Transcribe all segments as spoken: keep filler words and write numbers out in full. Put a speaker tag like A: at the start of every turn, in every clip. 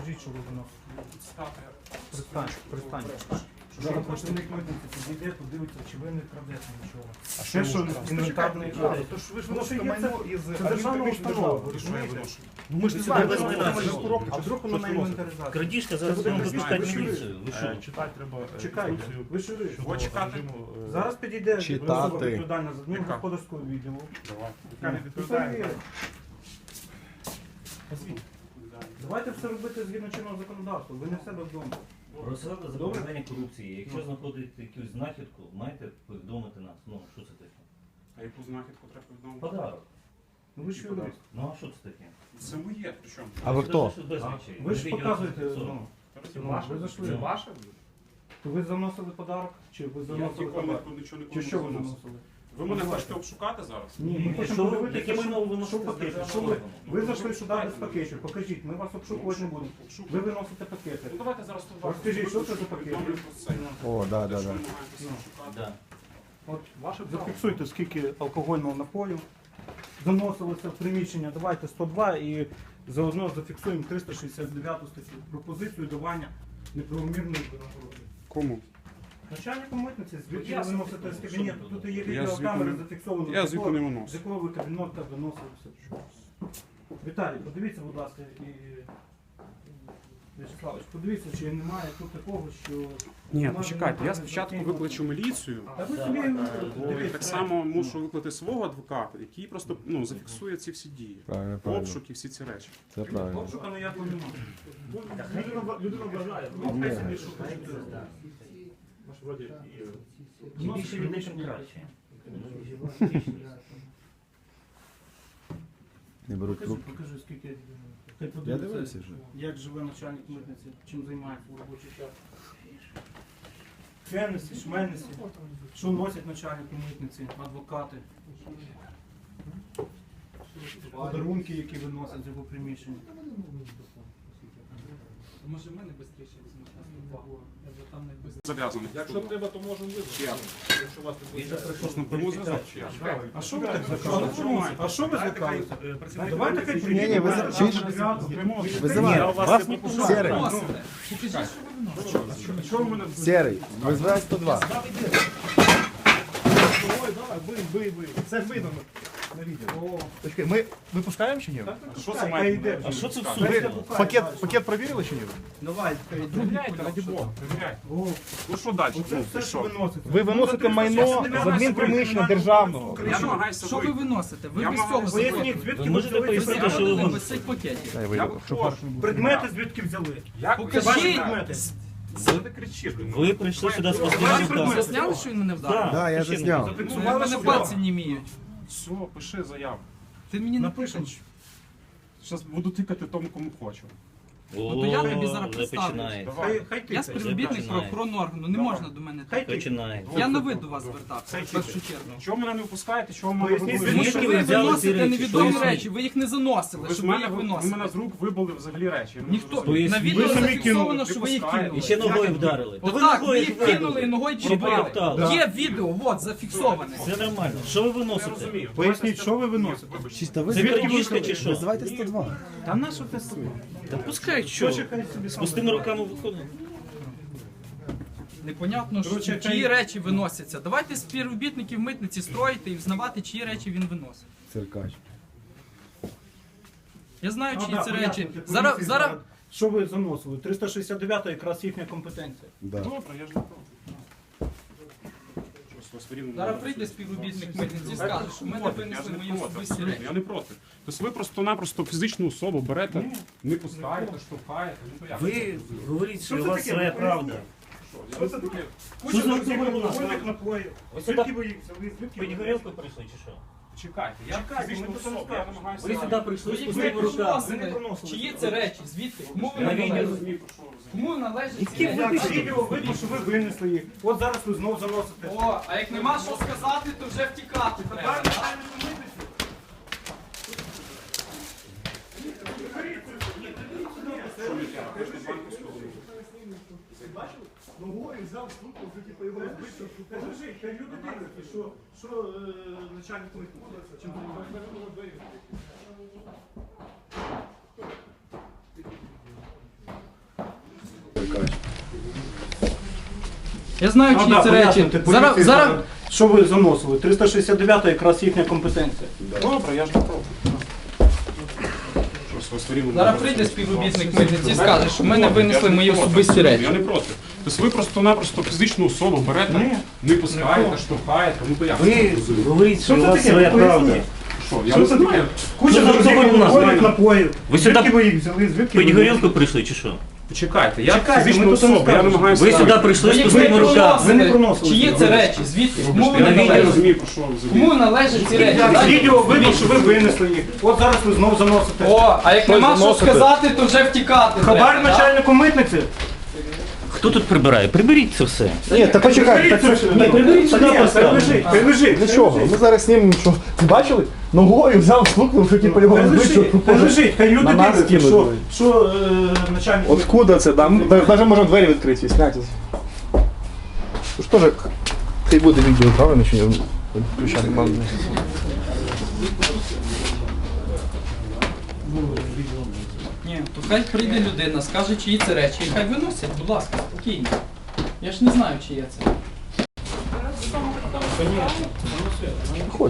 A: Покажіть, що ви виносите.
B: Стати.
A: Пристань, пристань. Зараз працівник митниці підійде, подивиться, чи ви не крадете нічого.
C: А
A: Ще що інвентарний код.
C: Тож ви ж
A: Тому що
C: виносите
A: є
C: майно
A: це-
C: із
A: це державна установа, ви розумієте?
C: Ну ми ж не
A: Це
C: знаємо,
A: без
C: де
A: майна,
C: ви
A: це
C: коробки,
A: А
C: чи
A: вдруг воно на
C: що носите?
A: інвентаризацію?
D: Крадіжка, зараз
A: Це
D: будемо
A: буде
D: викликати
A: знімати.
D: міліцію. Ви що?
B: Читати треба.
A: Чекайте, ви що ви?
B: От чекати.
A: Зараз підійде
E: Читати.
A: особа відповідальна за адмін
B: Яка?
A: господарського відділу.
B: Давай. Яка не
A: І
B: відповідає.
A: перевірить. Давайте все робити згідно чинного законодавства. Ви не в себе вдома.
D: Розсада запобігання корупції. Якщо знаходите якусь знахідку, маєте повідомити нас. Ну, що це таке?
B: А яку знахідку треба повідомити?
D: Подарок.
A: Ну ви ж юрист.
D: Ну, а що це таке?
B: Це моє, при чому?
E: А ви хто?
D: Це без речей.
A: Ви ж
D: Відео
A: показуєте,
D: зафіксовано.
A: ну, ну, ви зайшли.
B: ваше?
A: То ви заносили подарок? Чи ви
B: Я
A: заносили
B: ніколи
A: товар?
B: нічого
A: Чи
B: ніколи
A: що ви
B: не заносив.
A: заносили?
B: Ви мене хочете обшукати зараз?
A: Ні, ми
D: Ні,
A: хочемо
D: що ви-
A: подивитися,
D: яке
A: що-
D: майно ви виносите
A: що
D: з
A: пакети.
D: державного
A: Що ви,
D: органу?
A: ви зайшли сюди без пакетів, покажіть, ми вас обшукувати не будемо. Ви виносите пакети.
B: Ну давайте зараз тут
A: Розкажіть, що це за пакет?
B: повідомлю про це.
E: О, да,
B: Те,
E: да,
B: що
E: да.
B: ви намагаєтеся
A: Ну.
B: обшукати.
D: Да.
A: От зафіксуйте, скільки алкогольного напою заносилося в приміщення. Давайте сто два і заодно зафіксуємо триста шістдесят дев'яту статтю. Пропозицію давання неправомірної винагороди.
B: Кому?
A: Начальнику митниці, звідки
D: Я
A: ви виносите з кабінету? Тут є
B: Я
A: відеокамери
B: звідки не-
A: зафіксовано.
B: Я
A: з
B: звідки
A: якого-
B: не
A: З
B: виношу.
A: якого ви кабінета виносилися? Віталій, подивіться, будь ласка, і Вячеславович, подивіться, чи немає тут такого, що...
B: Ні,
A: Можна
B: почекайте, я
A: направити
B: спочатку
A: за
B: викличу міліцію.
A: Та ви
D: Так,
A: собі
D: так,
A: дивіться.
B: Так само мушу викликати свого адвоката, який просто ну, зафіксує ці всі дії.
E: Правильно, правильно.
B: Обшук і всі ці речі.
E: Це правильно.
A: Обшука ніякого немає.
C: Людина вважає.
A: Ну, хай собі шукає.
D: Чим більше людей, тим краще.
E: Не беруть
A: Покажи,
E: трубки.
A: покажи, скільки... Хай
E: Я
A: подивиться,
E: дивився вже.
A: як живе начальник митниці, чим займається в робочий час. Фенесі, шменесі, що носять начальники митниці, адвокати. Подарунки, які виносять з його приміщення.
F: Може в мене швидше візьмуть нас увагу. Я вже там не швидше.
B: Зав'язаний.
C: Якщо треба, то можемо визвати. Якщо вас не
D: Він же прийшов
B: Просто напряму зв'язок чи як?
A: А що ви так злякалися? А що ви злякалися? Давайте хай
E: Ні, ні,
A: приїдемо.
E: ви за- чуєш? Визиваю.
D: Вас не
E: Серий.
F: Носите. Покажіть, що ви виносите.
B: Що ви мене
E: Серий. Визивай сто два.
C: Ой, давай, бий, бий, бий. Це видно на відео. Почекай, ми випускаємо чи ні?
B: Що це
A: Хай
B: має
A: йде.
B: бути?
D: А що це в
A: Хай
D: суді?
A: йде, пукає.
C: Пакет, пакет перевірили чи ні?
A: Давай, хай йде.
B: Перевіряйте, раді Бога, перевіряйте.
A: О,
B: Ну що далі?
A: оце
B: Ну,
A: все, що
B: що?
A: виносите.
C: Ви виносите майно з адмінприміщення державного.
B: Я намагаюся
F: Що ви
B: вийти.
F: виносите? Ви
B: Я
F: без
B: маю
F: цього
A: Поясніть,
F: закону.
A: звідки
D: Ви
A: ви
D: можете
A: взяли ці
D: пояснити,
A: предмети?
D: що ви
F: Заходили
D: виносите?
F: без цих пакетів.
C: Дай
B: Я
C: вийду.
B: виходжу.
A: Предмети звідки взяли?
B: Як
F: Покажіть.
A: Ваші предмети.
B: Що ти кричиш?
D: Ви прийшли сюди з
A: Ваші
D: пустими
A: предмети.
F: Ви засняли, що він мене вдарив?
E: Да, я
D: Причина.
E: засняв.
F: У
A: Зафіксували,
F: мене
A: що
F: пальці
A: вдома?
F: не міють.
B: Все, пиши заяву.
F: Ти мені
A: Напишемо.
F: напишеш.
B: Зараз буду тикати тому, кому хочу.
D: О,
F: Ну, то я тобі зараз
D: вже
F: представлюсь.
D: починається.
A: Хай, хай
F: Я
A: тикає.
F: співробітник
D: починає.
F: правоохоронного органу, не
B: Давай.
F: можна до мене
A: Хай
F: так.
A: тикає.
D: Починається.
F: Я на ви до вас звертався,
A: Хай
F: в першу чергу.
B: Чого мене не впускаєте? Чого мене
A: Поясніть,
B: вибили?
F: Тому
D: Звідки
F: що
D: ви
F: ви
D: взяли ці
F: виносите
D: речі?
F: невідомі
D: Поясніть.
F: речі, ви їх не заносили,
B: Ви з
F: щоб ви
B: мене,
F: їх
B: ви
F: виносили.
B: мене з рук вибили взагалі речі. Я не
F: Ніхто
B: розумію.
D: Поясніть.
F: на
A: Ви
F: відео
A: самі
F: зафіксовано,
B: кинули,
F: що ви їх
B: припускаєте.
F: кинули.
D: І ще ногою вдарили. То ви
F: Отак, ви
D: ногою
F: їх
D: вибили.
F: кинули і ногою
D: Чи
F: чіпали.
D: перептали?
F: Є відео, от, зафіксоване.
D: Це нормально. Що ви
B: Я
D: виносите?
B: розумію.
A: Поясніть, що ви виносите?
E: Чисто ви
D: Це крадіжка чи що?
E: Визивайте сто два.
A: Та на що ти собі?
D: Та пускай, що?
A: Хай собі
D: З
A: сам.
D: пустими руками виходить.
F: Непонятно, що,
A: Короче,
F: чиї
A: хай-
F: речі виносяться. Давайте співробітників митниці строїти і взнавати, чиї речі він виносить.
E: Циркач.
F: Я знаю,
A: Ну,
F: чиї
A: да,
F: це речі.
A: пояснюйте,
F: Зараз,
A: поліції
F: зараз,
A: Що ви заносили? триста шістдесят дев'ята якраз їхня компетенція.
E: Да.
B: Добре, я ж не проти. Щось у вас все рівно
F: зараз
B: не
F: прийде
B: буде.
F: співробітник митниці і скаже, що ми не
B: Проти, я ж
F: винесли
B: не
F: мої
B: проти,
F: особисті
B: абсолютно,
F: речі.
B: я не проти. Тобто ви просто-напросто фізичну особу берете, не пускаєте, штовхаєте. Ну, то як?
D: Ви говоріть, що
A: Що
D: у
A: це
D: вас
A: таке?
D: своя правда.
A: Що це таке?
D: Що
A: Куча
D: за
A: друзів
D: алкоголь у нас?
A: алкогольних напоїв.
D: Ось
A: Звідки
D: сюди
A: ви їх взяли? Звідки
D: пить
A: ви
D: горілку прийшли чи що?
B: Чекайте, я
A: Чекайте,
B: фізичну
A: ми тут
B: особу, я
A: розкажемо.
B: намагаюся...
D: Ви сюди прийшли
F: Ви
D: з
F: їх
D: пустими
F: не
D: руками.
A: Ви не
F: приносили.
A: приносили.
F: Чиї це речі? Звідки? Кому
B: Я
F: вони
B: не
F: належать?
B: розумію, про що ви розумієте.
F: Кому належать ці
D: Які ви
F: речі?
A: Так, відео видно, що ви винесли їх. От зараз ви знов заносите.
F: О, а як нема що сказати, то вже втікати треба.
C: Ногою взяв штуку, вже типу його розбити.
A: Кажи, хай люди дивляться, що, що е, начальник митниці. Чим ви
F: Я знаю,
A: Ну,
F: чиї
A: да,
F: це речі.
A: поясните,
F: Зараз,
A: поліції
F: зараз,
A: зараз, що ви заносили? триста шістдесят дев'ята якраз їхня компетенція.
B: Добре, я ж не проти. Просто ви створили
F: зараз
B: мене
F: прийде
B: просто.
F: співробітник митниці і скаже, що ми не винесли мої особисті речі.
B: Я не проти. Тобто ви просто-напросто фізичну особу берете,
A: Ні.
B: не пускаєте, штовхаєте, ну то як?
D: Ви говорите, що
A: Що
D: у
A: це
D: вас
A: таке?
D: своя
A: Поясніть.
D: правда.
B: Що, я
A: Що
B: не
A: це таке?
B: знаю.
A: Куча
D: Ну,
A: завжди
D: ну,
A: алкогольних
D: ну,
A: напоїв.
D: Ви сюди
A: Звідки ви їх взяли? Звідки
D: пить
A: ви
D: горілку прийшли чи що?
B: Почекайте, я
A: Чекайте,
B: фізична
A: ми тут не
B: особа, я
A: скажемо.
B: намагаюся...
D: Ви сюди прийшли з
F: Ви
D: пустими
F: не
D: руками.
A: Ви не
F: проносили.
A: проносили
F: Чиї
A: сюди.
F: це речі? Звідки? Кому
B: Я
F: вони
B: не
F: належать?
B: розумію, про що ви взагалі.
F: Кому належать ці речі?
A: З
F: Дайте
A: відео видно,
F: відповідь.
A: що ви винесли їх. От зараз ви знов заносите.
F: О, а як нема що
C: заносите?
F: сказати, то вже втікати.
A: Хабар
F: треба, да?
A: начальнику митниці.
D: Хто тут прибирає? Приберіть це все.
C: Ні, та почекай.
A: Та це ж- Ні,
D: приберіть сюди,
A: ні,
D: поставте.
A: Прибіжить, прибіжить.
C: Для чого? Ми зараз знімемо, що бачили? Ногою взяв, стукнув, що типу його вбити,
A: Прибіжить, прибіжить. Хай люди
C: на нас
A: дивляться,
C: кинуть.
A: що, що е, начальник...
C: Откуда це? Да? Навіть можемо двері відкриті, зняти. Тож теж, хай буде відео, правильно, чи ні? Включати мало.
F: Ні, то хай прийде людина, скаже, чиї це речі, і хай виносять, будь ласка, спокійно. Я ж не знаю, чиє це.
C: Ходь.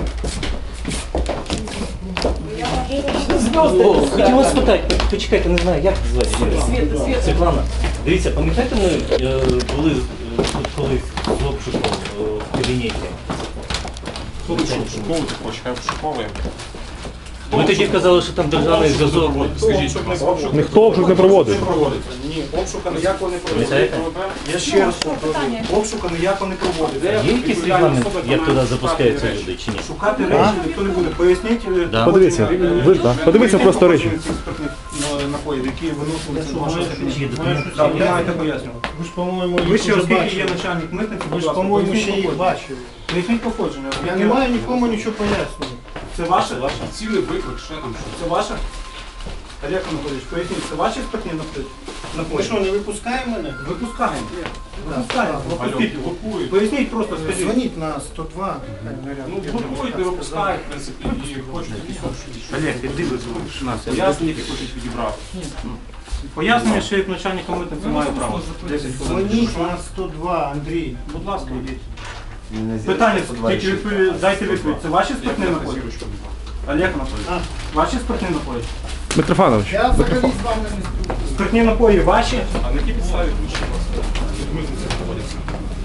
D: О, хотів вас спитати, почекайте, не знаю, як звати? Світа, Світлана. Дивіться, пам'ятаєте, ми е, були е, тут колись з обшуком е, в кабінеті?
B: Хто тут що обшуковувати хоче, хай обшуковує.
D: Ви тоді казали, що там державний зв'язок.
B: Скажіть, будь ласка, обшук
C: Ніхто обшук не проводив.
B: проводиться.
A: Ні, обшука ніякого не проводиться.
D: Пам'ятаєте?
A: Я ще раз повторюю, обшука ніякого не проводиться.
D: Є якийсь регламент, як туди запускаються люди чи ні?
A: Шукати речі ніхто не буде. Поясніть. е,
D: Да.
C: Подивіться, ви ж, да. Подивіться просто речі.
A: цих спиртних, е, напоїв, які виносилися з вашого
D: Чи є
A: кабінету.
D: документи?
A: Так, ви маєте пояснювати.
E: Ви ж, по-моєму,
A: Ви ще, оскільки є начальник митниці,
E: Ви ж, по-моєму, ще їх бачили.
A: Поясніть походження.
E: Я
A: Яке-
E: не маю нікому нічого пояснювати.
A: Це ваше?
B: цілий виклик, ще там що.
A: Це ваше? Олег Анатолійович, поясніть, це ваші спиртні напої?
E: Ви
A: Напої?
E: що, не випускаємо мене?
A: Випускаємо. Випускаємо.
B: Алло,
A: Пропустіть.
B: блокують.
A: Поясніть просто, скажіть.
E: Дзвоніть на сто два.
B: Ну, блокують, не випускають, в принципі, і хочуть якісь обшуки.
A: Олег, іди визволиш нас.
B: Пояснення хочуть відібрати.
A: Пояснення, що як начальника митниці має право. десять хвилин.
E: Дзвоніть на сто два, Андрій.
A: Будь ласка, йдіть. Питання, тільки відповідь, дайте відповідь. Це ваші спиртні напої? Олег Анатолійович, ваші спиртні напої?
C: Митрофанович,
E: Я взагалі з вами не спілкуюся.
A: Спиртні напої ваші?
B: А на якій підставі ключі у вас від митниці знаходяться?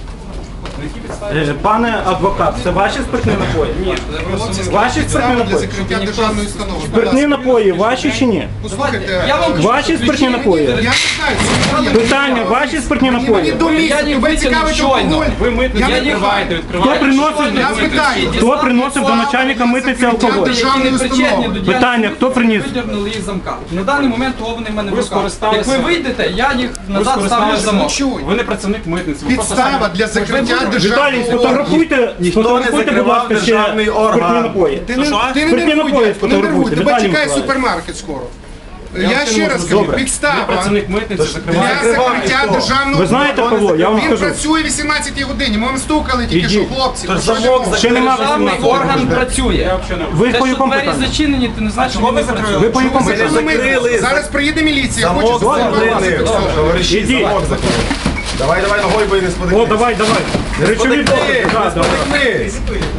B: На якій підставі?
A: Е, Пане адвокат, це ваші спиртні напої? Ні. Ваші спиртні
G: Для
A: напої?
G: закриття державної установи.
A: Спиртні напої ваші чи ні?
G: Послухайте,
F: Я вам
A: Ваші спиртні напої?
G: я не знаю, що є.
A: Питання, ваші спиртні
G: Мені
A: напої?
G: до
F: Я
G: місяця,
F: їх
G: тебе
F: витягнув
G: цікавить
F: щойно.
G: алкоголь.
B: Ви митницю
G: Я не
B: відкриваєте,
A: Хто
B: відкриваєте.
A: приносив,
G: Я питаю.
A: хто приносив до начальника митниці алкоголь?
G: Державної установи.
A: Питання, хто приніс?
F: Видернули їх з замка. На даний момент того вони в мене в
B: Ви
F: руках.
B: скористалися-
F: Як ви вийдете, я їх
B: Ви
F: назад ставлю в
B: скористалися
F: замок.
G: Чуй.
B: Ви не працівник митниці. ви просто
G: Підстава
B: самі-
G: для закриття
A: Віталій,
G: державного органу.
A: сфотографуйте, сфотографуйте, будь ласка, ще спиртні напої.
G: Ти не, ти
A: Спиртні
G: не нервуй,
A: напої
G: дядько, не
A: сфотографуйте,
G: нервуй, тебе
A: Віталій
G: чекає
A: Миколаївич.
G: супермаркет скоро.
B: вам
G: Я
B: це
G: ще
B: не
G: раз
B: можу.
G: кажу,
B: Ви
G: підстава
B: працівник митниці
G: для
B: закриваєте.
G: закриття державного
A: Ви знаєте
G: органу.
A: кого? Я вам
G: Він
A: скажу.
G: працює вісімнадцятій годині, ми вам стукали тільки що,
A: Ідіть.
G: хлопці. ви що ж
A: Ще нема
F: Державний
A: вісімнадцятого.
F: орган працює.
A: Ви
F: Те,
A: по
F: що
A: якому
F: двері
A: питанню?
F: зачинені, ти не знаєш, що вони працюють.
A: Ви по якому
G: ви
A: питанню?
G: закрили? Зараз приїде міліція, хоче зафіксувати.
A: Ідіть.
E: Давай, давай, ногою бий, не
A: О,
E: сподикни.
A: давай, давай. Речові докази. Да, давай.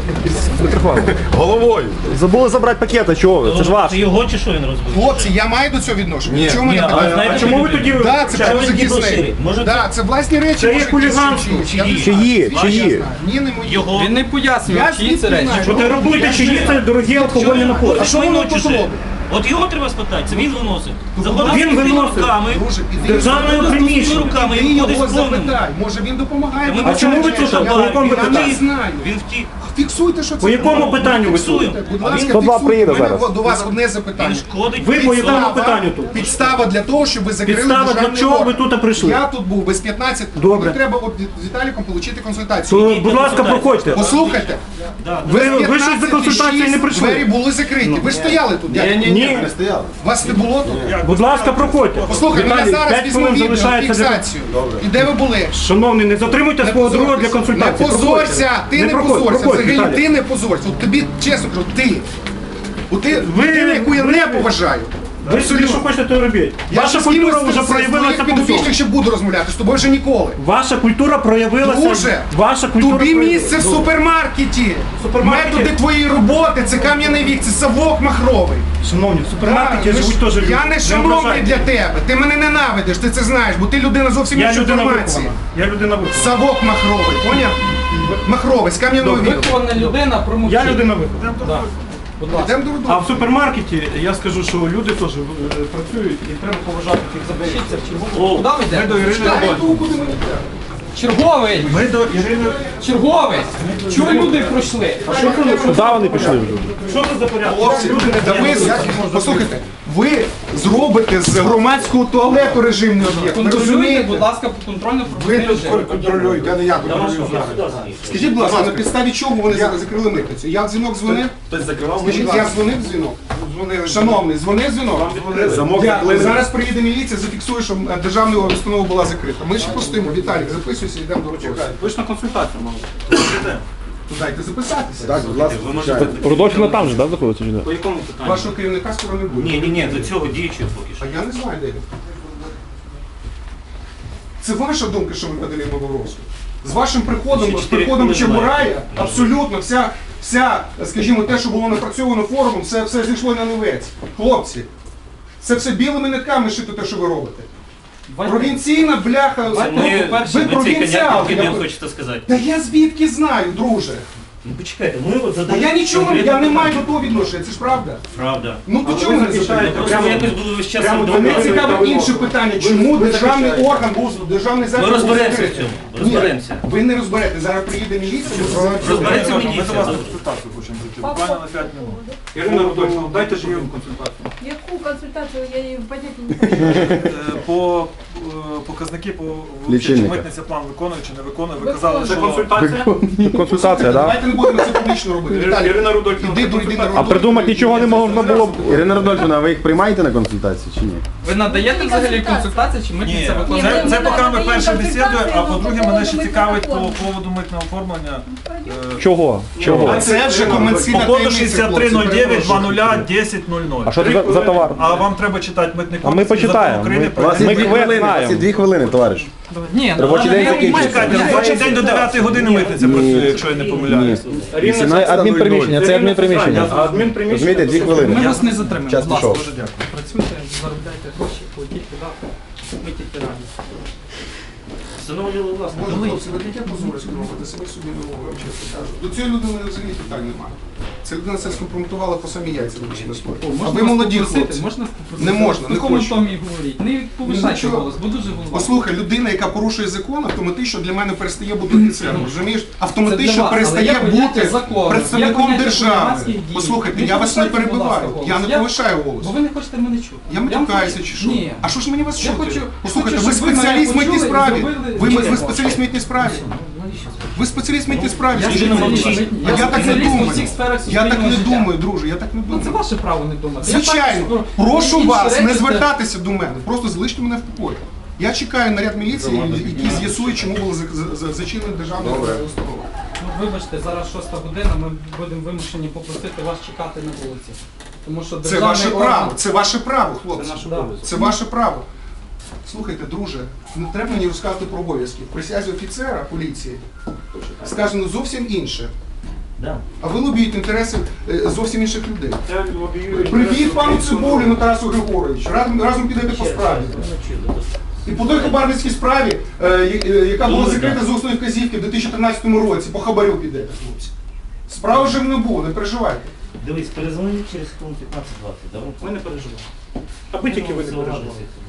E: Головою.
C: забули забрати пакета, чого ви? Це ж ваш.
D: Це його чи що він розбив?
G: Хлопці, я маю до цього відношення.
E: Ні.
G: Чому
D: Ні,
G: мене
D: а
G: питаєте?
D: знаєте,
A: А чому ви тоді
G: Да, це
A: вивчаєте?
G: про
D: Може,
G: захисник.
D: може,
G: Да, це власні речі.
A: Це є
G: може, якісь
A: хуліганство.
G: чиїсь. Я не
C: Чиї?
G: знаю.
C: Чиї?
G: Ні, не мої.
D: Його.
F: Він не пояснює,
G: Я
F: чиї це
G: звідки
F: речі.
G: знаю?
A: Фотографуйте, чи є це дорогі алкогольні напої.
G: А що воно тут робить?
D: От його треба спитати, це він виносить. Заходить
A: Він
D: з пустими
A: виносить.
D: руками,
G: Друже, іди.
A: Державного
D: з пустими
A: приміщення.
D: руками
G: Ти
D: і
G: його
D: виходить з повним.
G: запитай. Може він допомагає?
D: Та ми
A: А чому ви тут? По якому
G: Я не
A: питанню?
G: знаю.
D: Він втік.
G: Фіксуйте, що це.
A: По якому питанню ви
D: Фіксуємо.
A: тут?
G: Будь
D: А
G: ласка,
D: він-
C: сто два
G: фіксуйте.
C: приїде
G: У мене
C: зараз.
G: до вас одне
D: Він
G: запитання.
D: шкодить.
A: Ви по якому
G: Підстава-
A: питанню тут?
G: Підстава для того, щоб ви закрили
A: Підстава для
G: державний
A: чого ви
G: орган.
A: тут прийшли?
G: Я тут був без п'ятнадцяти.
A: Добре.
G: Мені треба от з Віталіком отримати консультацію.
A: То, будь ласка, проходьте.
G: Послухайте.
A: Ви, ви щось за консультацією не
G: Двері
A: прийшли?
G: були закриті. Ви ж стояли тут. дядько.
A: Ні.
E: Не стояли.
G: Вас не було тут?
A: Будь ласка, проходьте.
G: Послухай, мене
A: Віталій,
G: зараз
A: п'ять
G: візьму
A: хвилин
G: відео,
A: залишається для...
G: фіксацію. І де ви були?
A: Шановний, не затримуйте свого друга для консультації.
G: Не позорся, ти не,
A: проходь,
G: позорся.
A: проходь,
G: Взагалі
A: Віталій.
G: ти не позорся. От тобі чесно кажу, ти. От ти
A: Ви-
G: людина, яку я
A: ви-
G: не поважаю.
A: Ви собі що хочете, то й робіть.
G: Я
A: Ваша
G: з кимось
A: культура
G: з-
A: вже
G: з
A: проявилася
G: своїх
A: по всьому.
G: підопічних ще буду розмовляти, з тобою вже ніколи.
A: Ваша культура проявилася.
G: Друже,
A: Ваша культура
G: тобі
A: проявилася.
G: місце в супермаркеті.
A: Супермаркеті?
G: Методи твоєї роботи, це кам'яний вік, це совок махровий.
A: Шановні, в супермаркеті
G: Так, ми
A: живуть
G: ж-
A: теж люди.
G: Я не шановний
A: ображайте.
G: для тебе, ти мене ненавидиш, ти це знаєш, бо ти людина зовсім
A: Я
G: іншої
A: людина
G: формації.
A: вихована. Я людина вихована.
G: Совок махровий, поняв? Махровий, з кам'яного віку.
F: Вихована людина, промовчи.
A: Я людина вихована.
F: Да. Будь ласка.
G: Йдемо до роду.
A: А в супермаркеті я скажу, що люди теж е, працюють і треба поважати тих заберіть.
F: Запишіться в чергову. Куди ви
A: Ми до
F: йдете?
A: Ірини Рудольфівни.
F: Черговий!
A: Ми до Ірини.
F: Черговий! Чого люди пройшли?
C: Куди вони пішли вже?
A: Що це за порядок?
G: Хлопці, та ви, послухайте, ви зробите з громадського туалету режимний об'єкт, ви
F: Контролюйте,
G: розумієте?
F: будь ласка, по контрольно
G: Ви
F: пропускний
G: тут
F: режим.
G: контролюєте, а не я контролюю. Скажіть, будь ласка, на підставі чого вони за- закрили митницю? Я в дзвінок дзвонив?
E: Хтось закривав
G: Скажіть, я дзвонив в дзвінок? Шановний, дзвонив дзвінок?
E: замок.
G: Дякую. Зараз приїде міліція, зафіксує, що е, державна установа була закрита. Ми ще постоїмо. Віталік, записуйся, йдемо до роботи.
A: Ви ж на консультацію мали.
G: Дайте записатися.
C: Так, будь ласка. Рудольфівна там же, так, знаходиться чи не?
D: По якому питанню?
G: Вашого керівника скоро не буде.
D: Ні, ні, ні, до цього діючого поки що.
G: А я не знаю, де він. Це ваша думка, що ви подали Боровську? З вашим приходом,
D: Ще
G: з
D: чотири
G: приходом
D: хвилини
G: Чебурая, абсолютно вся, вся, скажімо, те, що було напрацьовано форумом, все, все зійшло на нівець. Хлопці, це все білими нитками шито те, що ви робите. Провінційна бляха.
D: Це ми,
G: ви
D: ми цей
G: провінціал.
D: коняк
G: я-
D: підемо, хочете сказати.
G: Та я звідки знаю, друже?
D: Ну почекайте, ми от
G: Та
D: задаємо...
G: я нічого, я не маю до того відношення, це ж правда.
D: Правда.
G: Ну то чому ви не запитаєте?
D: Просто ви якось були весь час...
G: Прямо
D: вдома.
G: мене цікавить інше питання. Чому державний орган був державний заклад?
D: Ми
G: був
D: розберемося
G: закритий?
D: в цьому,
G: Ні,
D: розберемося.
G: ви не розберете. Зараз приїде міліція.
D: Розбереться міліція.
E: консультацію хочемо зайти. Буквально на п'ять минут.
A: Ірина Рудольфівна, дайте ж їм консультацію.
H: Яку консультацію я її поняття не знаю.
E: Е, По е, показники по
C: Лічильника.
E: чи митниця план виконує чи не виконує. Ви казали,
A: Це
E: що
A: консультація?
C: Консультація, так?
G: Давайте не будемо це публічно робити. Віталій,
A: Ірина Рудольфівна,
G: іди
A: це
G: до йди на
C: А
G: роботу.
C: придумати нічого не можна було б. Ірина Рудольфівна, а ви їх приймаєте на консультації чи ні?
F: Ви надаєте взагалі консультації чи
E: ні,
F: митниця
H: Ні,
F: виконує?
E: це,
H: ми
E: це
H: не
E: поки ми
H: надаємо
E: перше бесідуємо, а
H: консультації,
E: по-друге,
H: ну,
E: мене ще
H: по
E: цікавить по
H: поводу
E: поводу митного оформлення. е,
C: Чого? Чого?
G: А це вже комерційна
E: По коду
G: таємниця,
E: шістдесят три
G: хлопці,
E: нуль дев'ять
G: перепрошую.
E: два нуль десять нуль нуль.
C: А що це за, за товар?
E: А вам треба читати митний
C: А ми
E: кодекс і закон
C: почитаємо.
E: України
C: Ми,
E: про
C: у вас є
E: митний
C: дві
E: кодекс.
C: хвилини, у вас є дві хвилини, товариш.
F: Ні, ну,
C: Робочий день
F: але-
C: закінчується.
E: Чекайте, робочий день до дев'ятої години митниця працює, якщо я не помиляюсь.
C: Адмінприміщення, це адмінприміщення.
A: А адмінприміщення.
C: Розумієте, дві хвилини.
F: Ми вас не затримуємо,
C: Час
F: будь ласка.
C: пішов.
E: Дуже дякую.
F: Працюйте, заробляйте гроші, платіть податки, ми тільки раді.
D: Встановлювали власне.
G: Боже, хлопці, ви таке позорисько робите, самі собі не говорю, чесно кажу. До цієї людини взагалі питань немає. Ця людина це скомпрометувала по самі яйця, вибачте на слово. А ви молоді хлопці.
F: Можна
G: Не можна, не
F: В якому
G: хочу.
F: томі говоріть? Не повишайте
G: Нічого.
F: голос, бо дуже голова.
G: Послухай, людина, яка порушує закон, автоматично для мене перестає бути офіцером, розумієш?
F: Це для
G: Автоматично
F: вас, але
G: перестає
F: є поняття
G: бути
F: закону, є
G: представником
F: поняття
G: держави.
F: громадських дій.
G: Послухайте,
F: Не
G: я вас не
F: повишайте, будь ласка,
G: перебиваю,
F: голос.
G: я не
F: Я-
G: повишаю голос.
F: Бо ви не хочете мене чути.
G: Я
F: вам
G: матюкаюся
F: хочу-
G: чи що?
F: Ні.
G: А що ж мені вас
F: Я
G: чути?
F: хочу-
G: Послухайте,
F: хочу,
G: ви
F: щоб ви мене
G: спеціаліст в митній
F: почули і
G: справі.
F: зробили
G: Ви,
F: життя
G: ви спеціаліст в митній справі.
F: Навіщо?
G: Ви спеціаліст в митній справі.
F: Я
G: скажіть мені.
F: спеціаліст.
G: А я так не
F: спеціаліст у
G: думаю.
F: всіх сферах
G: Я так
F: суспільного
G: не
F: життя.
G: думаю, друже, я так не
F: Ну це
G: думаю.
F: ваше право не думати. Я
G: Звичайно,
F: також про-
G: прошу
F: інші
G: вас
F: речі
G: не
F: це-
G: звертатися до мене, просто залиште мене в покої. Я чекаю наряд міліції, який з'ясує, чому було за- за- за- зачинено державне установа.
F: Ну, вибачте, зараз шоста година, ми будемо вимушені попросити вас чекати на вулиці. Тому що
G: Це
F: державний
G: ваше
F: орган-
G: право, це ваше право, хлопці.
F: Да.
G: Це ваше право. Слухайте, друже, не треба мені розказувати про обов'язки. В присязі офіцера поліції сказано зовсім інше.
D: Да.
G: А ви лобієте інтереси е, зовсім інших людей.
A: Я лобіюю.
G: Привіт пану Цибуліну Тарасу Григоровичу. Разом, разом підете по справі. І по той хабарницькій справі, е, я- е, яка була закрита з усної вказівки в дві тисячі тринадцятому році, по хабарю підете, хлопці. Справи вже не було, не переживайте.
D: Дивись, перезвоніть через хвилин п'ятнадцять-двадцять, добре?
A: Ми не переживаємо. Аби тільки ви не переживали.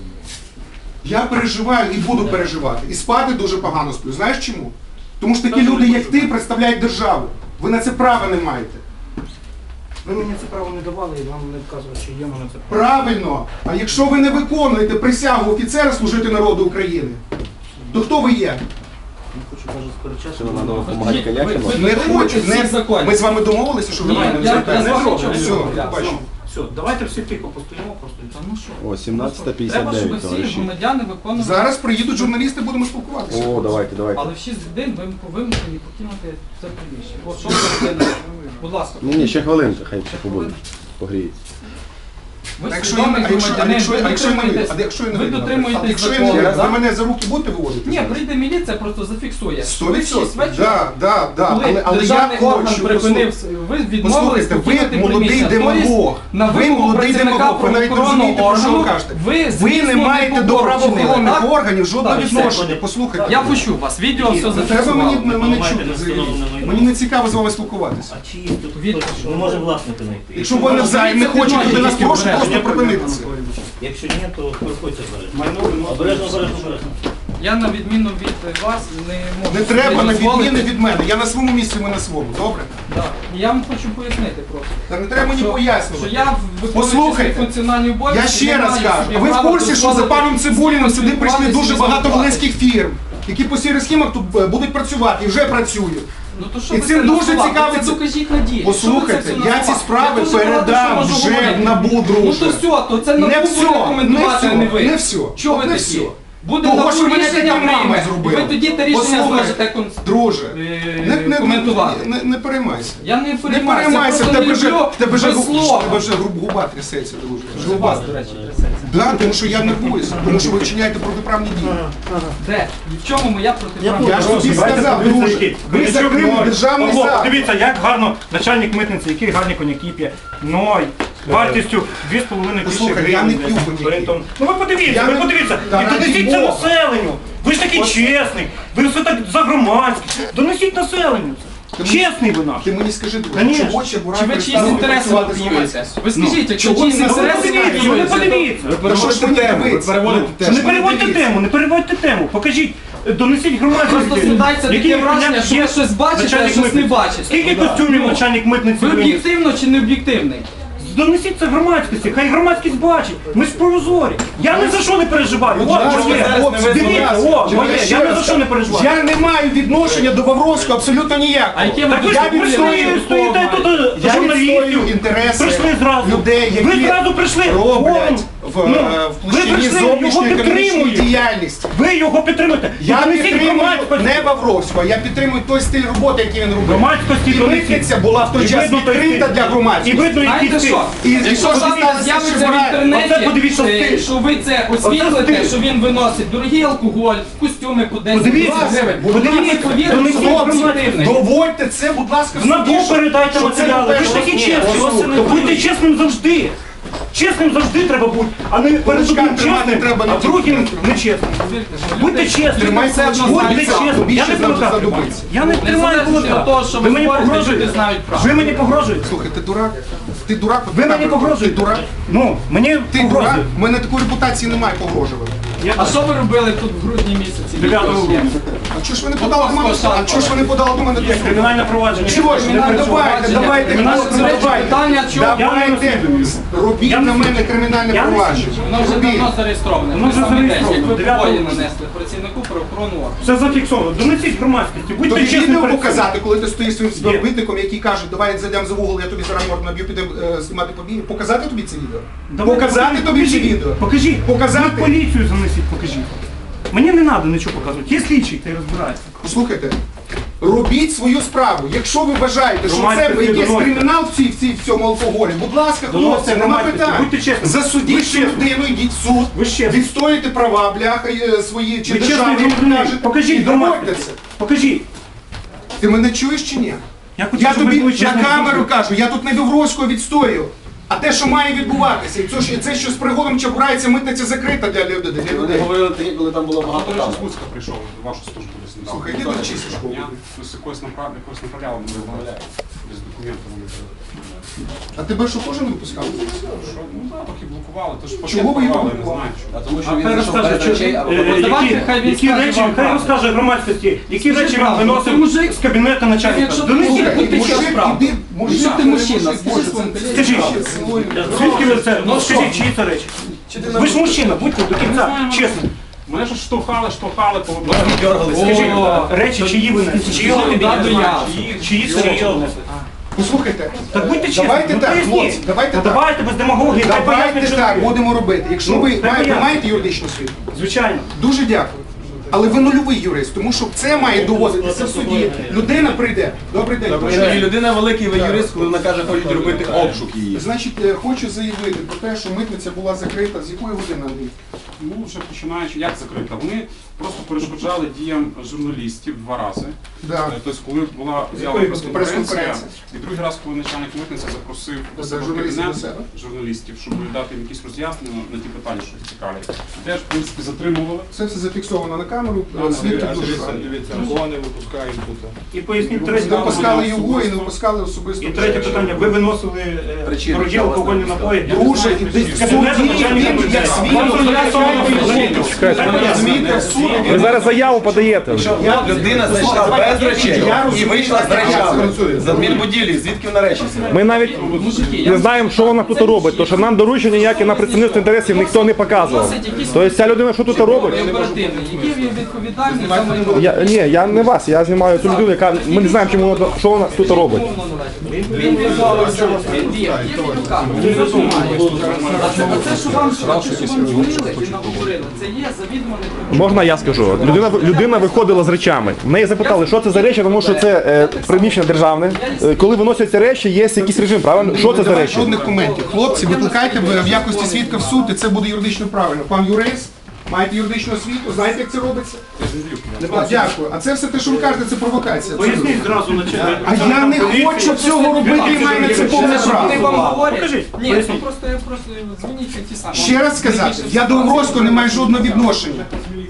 G: Я переживаю і буду переживати. І спати дуже погано сплю. Знаєш чому? Тому що такі люди, як ти, представляють державу. Ви на це права не маєте.
A: Ви мені це право не давали і вам не вказували, чи є в мене це право.
G: Правильно. А якщо ви не виконуєте присягу офіцера служити народу України, то хто ви є?
A: Не хочу навіть сперечатися.
F: Ви- ви- ви
G: Не
F: дотримуєтесь
G: хочу.
F: всіх
G: Не...
F: законів.
G: Ми з вами домовилися, що ви
F: Ні,
G: мене не
F: я- я
G: звертаєте.
F: з вами нічого не
G: Все,
F: домовлявся.
G: бачимо.
A: Все, давайте всі тихо постоїмо просто.
F: Та ну що?
C: О, сімнадцята п'ятдесят
F: Треба, щоб
C: дев'ять,
F: всі
C: товариші.
F: громадяни виконували.
G: Зараз приїдуть журналісти, будемо спілкуватися.
C: О, давайте, давайте.
F: Але в шість годин ви вимушені покинути це приміщення. От що ви робите? Будь ласка.
C: Ні, ні, ще хвилинка, хай ще побуде. Погріється.
F: Ви
G: А якщо
F: свідомий
G: я- а якщо- а
F: громадянин,
G: якщо-
F: ви
G: а якщо я не вийду?
F: дотримуєтесь-
G: А якщо я не
F: ви
G: вийду? А
F: дотримуєтесь
G: якщо я не
F: закону,
G: вийду,
F: да?
G: ви мене за руки будете виводити?
F: Ні,
G: зараз?
F: прийде міліція, просто зафіксує.
G: Сто
F: Ви в шість
G: відсотків.
F: вечора,
G: Да, да, да.
F: коли
G: Але, але я
F: державний орган
G: хочу,
F: припинив, ви відмовились
G: послухайте, ви
F: покинути
G: молодий
F: приміщення.
G: демагог.
F: Тобто, на
G: Ви
F: вимогу
G: молодий
F: працівника
G: демагог. Ви навіть не
F: правоохоронного
G: розумієте, про що ви
F: органу,
G: кажете.
F: ви,
G: Ви
F: звісно,
G: не маєте до
F: побор вчинили,
G: правоохоронних
F: так?
G: органів жодного
F: Так, все.
G: відношення. Послухайте.
F: Я почув вас, відео все
G: Не треба
F: зафіксувало.
G: мені мене
D: маєте
G: чути
D: не
G: взагалі.
D: встановлене майно.
G: Мені не цікаво з вами спілкуватися.
D: А чи є тут
F: Від-
D: хтось? Ми можемо власника знайти.
G: Якщо ви не взаєм не хочете до нас, прошу просто припинити це.
D: Якщо ні, то приходьте обережно.
A: Майно виносить.
D: Обережно, обережно, обережно.
F: Я на відміну від вас не можу.
G: Не треба
F: собі
G: на
F: дозволити.
G: відміни від мене. Я на своєму місці, ви на своєму. Добре?
F: Да. Я вам хочу пояснити просто.
G: Та не треба мені
F: Що-
G: пояснювати.
F: Що я виконуючи
G: Послухайте,
F: свої функціональні обов'язки.
G: Я ще
F: не
G: раз
F: маю
G: кажу,
F: собі
G: а ви в
F: права
G: курсі, що за
F: дозволити
G: паном Цибуліним сюди прийшли
F: спілкуватися
G: дуже
F: з
G: багато
F: вами?
G: волинських фірм, які по сірих схемах тут е, будуть працювати і вже працюють.
F: Ну то що
G: І
F: ви
G: цим
F: це
G: дуже
F: назвали?
G: цікавиться-
F: Ви це докажіть на ділі.
G: Послухайте,
F: Що ви це все
G: я ці
F: назвали?
G: справи
F: Я дуже багато
G: передам
F: що можу
G: вже
F: говорити.
G: в НАБУ,
F: Ну
G: друже.
F: то все, то це
G: Не
F: НАБУ
G: все,
F: буде
G: не
F: коментувати, а не
G: все,
F: ви.
G: не все.
F: Чого ви
G: Не
F: такі?
G: все.
F: Буде
G: Того,
F: НАБУ
G: що мене
F: рішення
G: такі мами
F: прийме.
G: зробили.
F: Ви тоді те рішення
G: Послухай,
F: зможете кон-
G: Друже,
F: е,
G: не, не,
F: коментувати.
G: не, не, не переймайся.
F: Я не
G: Не
F: переймаюся,
G: переймайся, в
F: просто
G: тебе
F: не
G: вже,
F: люблю
G: в тебе вже,
F: без
G: гу-
F: слова.
G: в тебе вже гру- губа трясеться, друже.
F: Вже у вас, до речі, трясеться.
G: Да, тому що я нервуюся, тому що ви вчиняєте протиправні дії.
F: Де? І в чому моя протиправна?
G: Я ж тобі сказав, друже, ви закрили державний
A: Павло,
G: заклад.
A: подивіться, як гарно начальник митниці, які гарні коньяки п'є. Ной. Вартістю дві з половиною тисячі
G: Послухай, я
A: гривень.
G: не п'ю коньяки.
A: орієнтовно. Ну ви подивіться,
G: Я
A: ви
G: не-
A: подивіться.
G: Та
A: І
G: раді
A: донесіть це
G: Бога.
A: населенню. Ви ж такий чесний. Ви все так за громадське. Донесіть населенню це.
G: Ти
A: Чесний ви наш.
G: Ти мені скажи, друже,
A: Конечно.
G: чого ще Бурак
F: Чи ви чиїсь
G: перестав
F: інтереси
G: працювати з
F: лобіюєте?
G: громадськістю?
F: Ви скажіть, якщо
G: чого
F: чиїсь
G: це?
A: Ну ви
F: інтереси
A: подивіться, ну ви
F: лобіюються, то-
A: подивіться.
G: Ну, що ж мені дивитися?
A: Що не переводьте тему, не переводьте тему. Покажіть, е, донесіть громадськості.
F: Просто складається таке
A: який
F: враження, що ви
A: є
F: щось бачите, а
A: начальник
F: щось не
A: митниці.
F: бачите.
A: Скільки
F: Да.
A: костюмів
F: Ну,
A: начальник митниці
F: Ви
A: виніс?
F: об'єктивно чи не об'єктивний?
A: Донесіть це громадськості, хай громадськість бачить. Ми ж прозорі. Я ні за що не переживаю. О,
G: ласка,
A: моє.
G: хлопці,
A: Дивіться,
G: будь ласка.
A: о, моє.
G: ще
A: Я ні
G: раз
A: за що не переживаю.
G: Я не маю відношення до Вавровського абсолютно ніякого.
F: А яке ви
A: Так ви ж
G: Я
A: ви
G: відстоюю
A: стоїте, стоїте тут е,
G: Я відстоюю
A: журналістів.
G: інтереси
A: Прийшли зразу.
G: людей, які
A: Ви зразу прийшли.
G: роблять в,
A: Ну,
G: е, в
A: ви
G: площині
A: прийшли, його
G: зовнішньої економічної
A: підтримуєте.
G: діяльності.
A: Ви його підтримуєте.
G: Я
A: Донесіть
G: підтримую
A: громадськості.
G: не Вавровського, я підтримую той стиль роботи, який він робив.
A: Громадськості
G: І
A: донесіть.
G: митниця була в той
A: І
G: час
A: видно той
G: відкрита
A: стиль.
G: для
A: І
G: громадськості.
A: видно, який
F: Знаєте
A: стиль.
F: що?
G: І-
F: Якщо
G: і
F: завтра
G: подивіться,
F: з'явиться
G: що
F: в
G: збирає.
A: Оце
F: інтернеті,
A: подивіться
F: е,
A: стиль.
F: що ви це
A: стиль.
F: освітлите, що він виносить дорогий алкоголь, костюми по десять
A: Подивіться,
F: тисяч гривень,
A: подивіться,
F: тоді ми повіримо,
A: донесіть
F: що він
A: громадськості.
F: об'єктивний.
G: Доводьте це, будь ласка, в
A: В НАБУ
G: суді, що-
A: передайте
G: що це
A: матеріали. Ви ж
G: по-перше,
A: такі
G: ні,
A: чесні.
G: послухайте,
A: То будьте чесним завжди. Чесним завжди треба бути, а не перед
G: Кулачка
A: одним
G: тримати
A: чесним,
G: треба на
A: а другим
G: тільки.
A: нечесним.
F: Повірте, що
A: Будьте
F: люди-
A: чесними.
G: Тримай
F: все одно
G: кулачки,
A: Будьте
F: знають
G: обіцяв,
A: чесним. Я
G: більше
A: не
G: за-
A: кулака
G: задумайся.
A: Я не тримаю
F: Незалежно від
A: кулака.
F: того, що
A: Ви
F: ви
A: мені
F: говорите,
A: погрожуєте?
F: люди знають правду.
A: Ви мені погрожуєте?
G: Слухай, ти дурак? Ти дурак? от
A: Ви
G: така
A: мені
G: правда.
A: погрожуєте?
G: Ти дурак?
A: Ну, мені
G: Ти дурак?
A: погрожуєте.
G: У мене такої репутації немає погрожувати.
A: Я-
F: А що ви робили тут в грудні місяці?
A: дев'ятого
F: Відео є.
A: грудня.
G: А чого ж ви не подали до мене? А чого ж ви не подали до мене?
A: Є кримінальне провадження.
G: Чого ж?
A: Не
G: Ну,
A: переживайте.
G: давайте, давайте,
F: Кримінальне
G: хлопці,
F: провадження.
G: давайте.
F: Питання, чого?
G: Давайте,
A: Я не
G: робіть
A: Я не
G: на мене кримінальне
A: Я не
G: провадження.
F: Воно вже
G: Робіть.
F: давно зареєстроване.
A: Воно
F: Ви
A: вже
F: самі десь, як
A: зареєстроване.
F: ви
A: дев'ятого
F: побої
A: грудня.
F: нанесли працівнику правоохоронного органу.
A: Все зафіксовано. Донесіть громадськості. Будьте
G: Тобі
A: чесним.
G: відео
A: перед
G: показати, коли ти стоїш своїм співробітником, який каже, давай зайдемо за вугол, я тобі зараз морду наб'ю, підемо е, знімати побіги. Показати тобі це відео?
A: Давай,
G: Показати
A: покажіть,
G: тобі це
A: покажіть.
G: відео?
A: Покажіть.
G: Показати?
A: Ви поліцію занесіть, покажіть. Мені не треба нічого показувати. Є слідчий, ти розбираєшся.
G: Послухайте, робіть свою справу. Якщо ви вважаєте, що
A: Громадське
G: це якийсь
A: відносини.
G: кримінал в, цій, в, цій, в цьому алкоголі, будь ласка,
A: Доносите
G: хлопці, нема
A: громадськості.
G: питань.
A: Будьте чесними. Ви
G: Засудіть цю
A: чесні.
G: людину, йдіть в суд,
A: Ви чесні.
G: відстоїте права, бляха, е, свої, чи
A: Ви чесний
G: державні, як
A: громадянин.
G: кажете, і
A: Покажіть
G: доводьте
A: громадськості.
G: це.
A: Покажіть.
G: Ти мене чуєш чи ні?
A: Я хочу,
G: Я
A: щоб ви
G: тобі
A: були
G: на
A: чесним
G: камеру
A: завжди.
G: кажу, я тут не Вівровського відстоюю. А те, що має відбуватися, і це, що- це що з пригодом чабурається, митниця закрита для людей. Для людей.
C: Говорили тоді, коли там було
B: А
C: багато
B: до речі,
C: там.
B: з Луцька прийшов в вашу службу десь недавно.
G: Слухай, іди до чисті школи.
B: Я ось якось направ- якось направляли мене без документів. вони
G: А тебе що теж не випускали?
B: Що, ну так, поки блокували, то ж пакет
G: Чого ви його
B: порвали, не
G: блокували?
B: знаю чого.
C: А тому що
A: А
C: він
A: хай
C: зайшов
A: розкаже,
C: перед речей, а
A: е,
C: потім-
F: Давайте,
A: які,
F: хай він
A: які
F: скаже
A: речі,
F: вам
A: хай
F: правду.
A: розкаже громадськості, які
F: Скажи
A: речі він
F: правду.
A: виносив
F: Ти мужик?
A: з кабінету начальника.
F: Якщо ти
A: Донесіть.
F: мужик,
G: Слухай,
F: ти
G: мужик,
F: що правда?
G: іди, мужик,
F: Якщо ти
G: не
F: мужчина,
G: мужик,
F: скажи
G: Боже,
F: своїм
G: це-
F: колезі.
A: Скажіть,
G: Цілуй.
A: звідки ви це?
F: Ну,
A: Скажіть,
F: що?
A: чиї це речі? Ви ж мужчина, будьте до кінця, чесно.
B: Мене ж штовхали, штовхали, по
A: Скажіть,
F: О,
A: речі, чиї ви несли? Чиї
F: Чого
A: ви
F: да,
A: несли?
F: до я?
A: Чиї- Чиї це речі ви несли?
G: Послухайте,
A: Так будьте чесні.
G: давайте
A: ну,
G: так,
A: поясніть.
G: хлопці, давайте
A: Ну,
G: так.
A: Давайте без демагогії, хай
G: Давайте
A: пояснять, що
G: так,
A: таке.
G: будемо робити. Якщо
A: Ну,
G: ви
A: хай
G: маєте,
A: пояснять.
G: маєте юридичну освіту,
A: Звичайно.
G: дуже дякую. Але ви нульовий юрист, тому що це має доводитися в суді. Людина прийде. Добрий день.
E: І людина великий ви юрист, коли вона каже, хочуть робити обшук її.
G: Значить, е, хочу заявити про те, що митниця була закрита. З якої години, Андрій?
B: Ну, вже починаючи, як закрита? Вони просто перешкоджали діям журналістів два рази.
G: Да.
B: Е, Тобто, коли була з'ява
G: якої
B: прес-конференція,
G: прес-конференції?
B: і другий раз, коли начальник митниці запросив до себе в
G: журналістів
B: кабінет
G: до себе?
B: журналістів, щоб дати їм якісь роз'яснення на ті питання, що їх цікавлять. Теж, в принципі, затримували.
G: Це все зафіксовано на камеру. е, Свідки дуже гарні.
E: кого не випускають тут.
A: І поясніть третє
G: Не впускали
A: питання.
G: його і не впускали особисто.
A: І третє питання. Ви виносили е,
E: Причини,
A: дорогі
E: власне,
A: алкогольні напої.
G: Друже, і десь в суді він як свідок захищає його. Розумієте, в суд
C: Ви
G: він...
C: зараз заяву подаєте.
E: Людина знайшла без речей і вийшла з речами. З адмінбудівлі, звідки вона речі взяла?
C: Ми навіть не знаємо, що вона тут робить, тому що нам доручення ніякі на представництво інтересів ніхто не показував. Тобто ця людина що тут робить?
F: Оперативний, який він відповідальний за майно.
C: Я, ні, я не вас, я знімаю цю людину, яка ми не знаємо, чому вона, що вона тут робить.
F: Він відмовився, він діяв, є відеокамера. А це, а це, що вам, а це, що вам дзвонили і наговорили, це є завідомо неправильно.
C: Можна я скажу? Людина, людина виходила з речами. В неї запитали, що це за речі, тому що це е, приміщення державне. Е, коли виносяться речі, є якийсь режим, правильно? Що це за речі?
G: Жодних коментів. Хлопці, викликайте в якості свідка в суд, і це буде юридично правильно. Пан юрист, маєте юридичну освіту, знаєте, як це робиться? А, дякую. А це все те, що ви кажете, це провокація.
A: Поясніть зразу начальник.
G: А я не хочу цього робити, і маю на це повне
F: Вони вам
G: право.
F: говорять? Ні, ну просто я просто дзвоніть ті самі.
G: Ще раз сказати, я до Грозького не маю жодного відношення.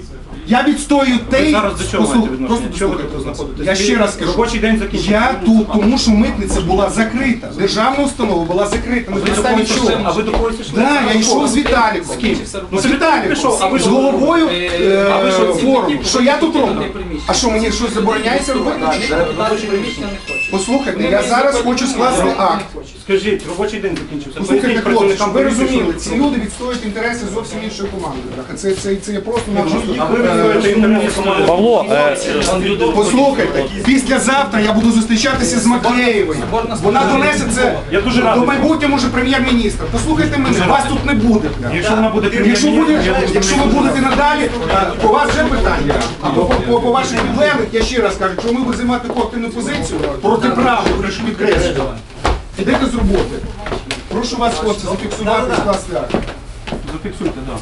G: Я відстоюю те,
A: Зараз до чого
G: послух-
A: маєте відношення?
G: просто
A: Чого ви
G: послухайте.
A: тут знаходитесь?
G: Я ще раз кажу,
A: Робочий день закінчився.
G: я тут, тому що митниця була закрита. Державна установа була закрита. На
A: Ви до
G: підставі
A: когось
G: чого?
A: йшли? А ви до когось йшли?
G: Да, я йшов з Віталіком. З ким? Ну, з Віталіком.
A: А ви
G: З
A: ж-
G: головою
F: А ви що,
G: е,
F: ці
G: форуму.
F: такі
G: Що я тут роблю?
F: повинні приміщення?
G: А що, мені щось забороняється робити? чи що?
F: Робочі приміщення не хочуть.
G: Послухайте, я зараз хочу скласти акт.
A: Скажіть, робочий день закінчився.
G: Послухайте,
A: Поясніть
G: хлопці, щоб
A: працівникам
G: ви
A: поліції,
G: розуміли,
A: що
G: ці
A: ви
G: люди відстоюють інтереси зовсім іншої команди. бляха. Це, це, це є просто напросто.
A: А ви відстоюєте інтереси команди.
C: Павло, е,
G: Послухайте, післязавтра я буду зустрічатися з Макеєвою. Вона донесе це
A: Я дуже
G: до
A: радий.
G: майбутнього може прем'єр-міністра. Послухайте мене, вас тут не буде. бляха.
A: Якщо вона буде
G: Якщо, буде,
A: прем'єр-міністром,
G: якщо ви будете надалі, е, по вас вже питання. А по, по, по ваших підлеглих, я ще раз кажу, що ми будемо займати таку активну позицію проти права, прошу підкреслюю. Ідете з роботи. Прошу вас, хлопці, зафіксувати і скласти акт.
A: Зафіксуйте, так.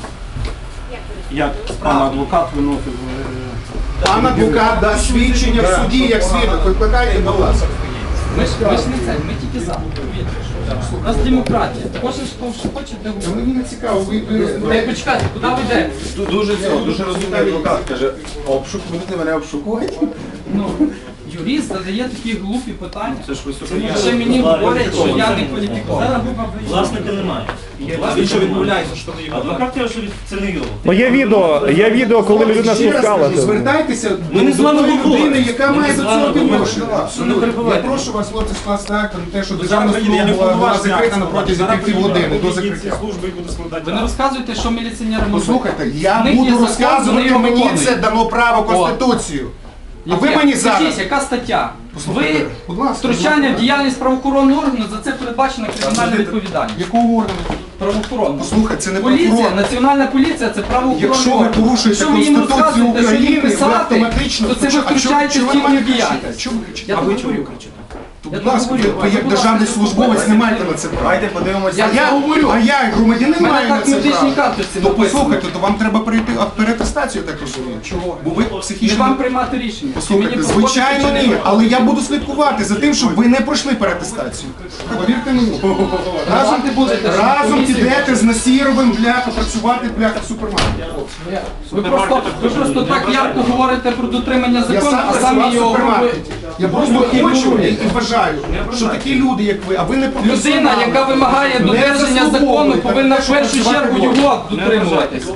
A: Як пан адвокат виносив. е,
G: Пан адвокат дасть свідчення в суді, як свідок. Викликайте, будь ласка.
F: Ми ж, ми ж не це, ми тільки за. У нас демократія. Кожен хто що хоче, де
G: Та
F: говорить.
G: Мені не цікаво, ви... ви-
F: Ей, почекайте, куди ви йдете?
E: Дуже цього, дуже розумний адвокат. Каже, обшук, будете мене обшукувати?
F: Ну, юрист задає такі глупі питання.
E: Це ж ви
F: Ще мені говорять, що я не кваліфікований.
D: Власника немає.
E: Він що відмовляється, що ви його.
D: Адвокат каже, що це не його.
C: ну є відео, є відео, коли людина
G: Ще раз кажу,
C: спускалася.
G: звертайтеся
D: Ми не з
G: до
D: вами
G: тої
D: говоримо.
G: людини, яка
D: Ми
G: має
D: з
G: до
D: вами
G: цього
D: говоримо.
G: відношення. Абсолютно. Я прошу вас, хлопці, скласти акт на те, що державна
B: Я
G: служба
B: не
G: була, була
B: повноважений
G: закрита на
B: акт
G: протязі
B: складати.
G: півгодини до
B: Зараз
G: закриття.
B: служби і буде складати.
F: Ви не розказуєте, що міліціонери можуть.
G: Послухайте, я
F: В них є
G: буду
F: закон,
G: розказувати,
F: вони його
G: мені
F: виконують.
G: це дано право Конституцію. А ви мені зараз...
F: Скажіть, яка стаття?
G: Послухайте,
F: Ви
G: будь ласка,
F: втручання
G: будь
F: в діяльність правоохоронного органу, за це передбачена кримінальна відповідальність.
G: Якого органу?
F: Правоохоронного.
G: Послухайте, це не
F: Поліція,
G: прокурор.
F: національна поліція це правоохоронний
G: Якщо ви
F: орган.
G: порушуєте
F: Якщо ви їм
G: Конституцію
F: розказуєте, що їм
G: України, ви
F: писати,
G: автоматично...
F: то це ви
G: А чого-
F: втручаєтесь
G: чого
F: в
G: ви на мене
F: їхню
G: кричите?
F: діяльність.
G: Чого ви кричите?
F: Я
G: А ви
F: так
G: чому
F: говорю.
G: кричите?
F: Я
G: Будь
F: так
G: ласка,
F: говорю.
G: ви як
F: Будь
G: державний
F: ласка,
G: службовець не
F: я
G: маєте на це права.
E: Давайте подивимося.
G: А я говорю, а я як громадянин
F: Мене
G: маю на
F: так
G: це
F: медичній
G: право.
F: карточці
G: То
F: написано.
G: послухайте, то вам треба перейти а, переатестацію, я так розумію. Чого? Бо ви
F: Не
G: психічно...
F: вам приймати рішення. чи мені
G: Послухайте,
F: проходити,
G: звичайно
F: чи не
G: ні,
F: проходити.
G: але я буду слідкувати за тим, щоб ви не пройшли переатестацію. Повірте мені. Разом,
F: Давати будете, щоб
G: разом
F: комісію
G: підете з Насіровим, бляха, працювати, бляха, в супермаркеті.
F: Ви просто, ви просто так ярко говорите про дотримання
G: Я
F: закону,
G: сам
F: а
G: працював
F: самі
G: в
F: його
G: супермаркеті. Я просто хочу і вважаю, що такі люди, як ви, а ви не
F: Людина,
G: професіонали,
F: яка вимагає
G: не
F: додержання закону,
G: заслуговуєте
F: повинна
G: на
F: в
G: те, щоб
F: першу
G: працювати
F: чергу
G: вдома.
F: його дотримуватися.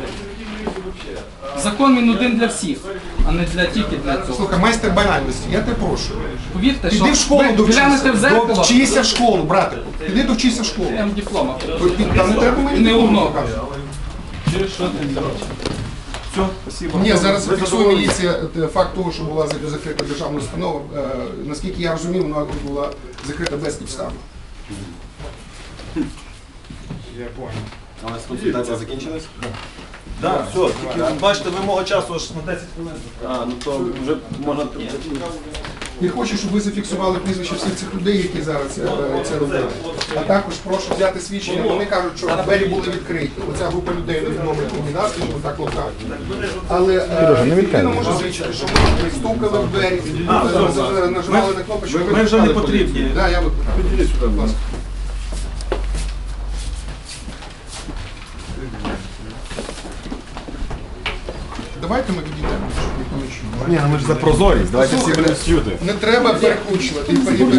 F: Закон він один для всіх, а не для тільки для цього.
G: Слухай, майстер банальності, я тебе прошу.
F: Повірте, що
G: Піди в школу
F: ви
G: довчися.
F: глянете в зеркало,
G: Довчися в школу, брате. Піди довчися в школу.
F: я вам диплома.
G: Та не треба мені
F: Не
G: диплому
F: одного.
G: показувати.
A: Все, спасибо.
G: Ні, зараз
A: Ви
G: фіксує
A: задоволені?
G: міліція е, факт того, що була зак- закрита державна установа. Е, Наскільки я розумів, вона була закрита безпідставно.
E: Але консультація закінчилась? Так, все, тільки бачите, вимога часу аж на десять хвилин. А, ну то вже можна...
G: Я хочу, щоб ви зафіксували прізвища всіх цих людей, які зараз е, це робили. А також прошу взяти свідчення. Вони кажуть, що двері були відкриті. Оця група людей невідомих мені, да, скажімо так, локально. Але е, людина може свідчити, що ми стукали в двері, е, нажимали на кнопочку.
E: Ми вже не потрібні.
G: Так, я викликаю. Підійдіть сюди, будь ласка. Давайте ми відійдемо, щоб ніхто не чув.
C: Ні, ну ми ж за прозорість, давайте всі будемо чути.
G: Не треба перекручувати.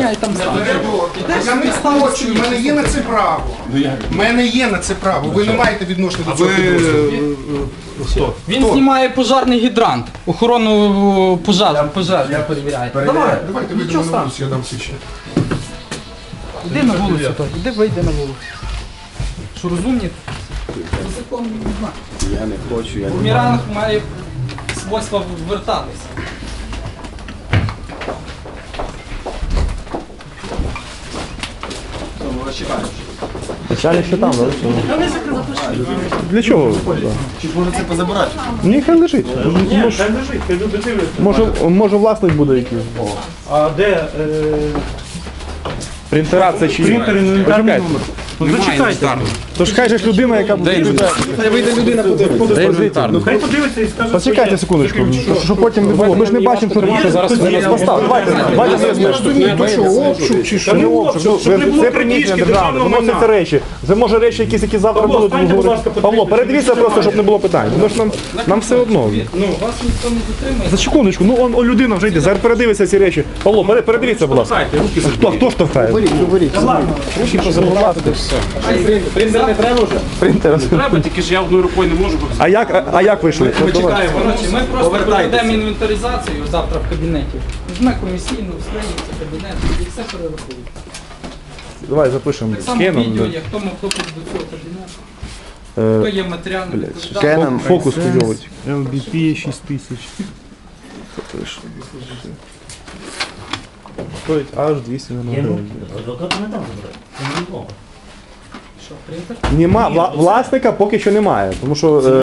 G: Я не спрочую, в мене є на це право. В мене є на це право. Ви не маєте відношення до цього підрозділу.
F: Він знімає пожарний гідрант, охорону пожежу, пожежу перевіряє. Давай,
G: Давайте вийдемо на вулицю, я дам свідчення.
F: іди на вулицю, то, іди вийди на вулицю. Що розумні? Закон не знаю.
C: Я не хочу, я
F: Бумеранг має свойство вертатися.
C: Начальник ще там, да? Для чого?
E: Чи може це позабирати?
C: Ні, хай лежить.
A: Ні, хай лежить, хай люди дивляться.
C: Може, може власник буде якийсь.
A: А де е,
C: Принтера це чи
A: принтер інвентарний
C: Почекайте.
A: номер? Ну зачекайте.
C: Тож хай же ж людина, яка буде.
E: Хай вийде людина подивиться.
A: Ну хай подивиться і скаже,
C: Почекайте
A: що
C: секундочку, щоб, щоб потім не було. Ми ж не бачимо, що тут зараз постав. Давайте, давайте не
G: Розумієте, то що, обшук чи
C: Це
G: що?
C: не обшук,
A: щоб не було
C: це приміщення
A: крадіжки
C: державне,
A: державного
C: виносяться
A: майна.
C: речі. Це може речі якісь, які завтра
A: Павло,
C: будуть
A: станьте, будь ласка,
C: говорити. Павло,
A: подивіться,
C: передивіться
A: що
C: просто,
A: немає.
C: щоб не було питань. Тому що нам, нам все одно.
F: Ну, вас ніхто не затримає.
C: За секундочку, ну он, он людина вже йде, зараз передивиться ці речі. Павло, пере- передивіться, будь ласка. Хто, хто штовхає? Руки позабувати, все.
E: Принтер не треба вже?
C: Принтер.
B: Треба, тільки ж я одною рукою не можу. бо
C: А як, а, а як вийшли?
E: Ми чекаємо.
F: Коротше, ми просто
E: Повертайтеся.
F: проведемо інвентаризацію завтра в кабінеті. Візьме комісійну, звернеться кабінет і все перерахує.
C: Давай запишемо.
F: Так само
C: Скеном.
F: відео є, хто мав допуск до цього кабінету, хто
C: Е,
F: є матеріальним відповідальним.
C: Скеном. Фокус хуйовий.
A: ел бі пі шість тисяч.
C: Стоїть аж двісті гривень.
D: Адвоката не там забирати. Це не відомо.
F: Що, принтер?
C: Нема, вла- власника поки що немає, тому що е,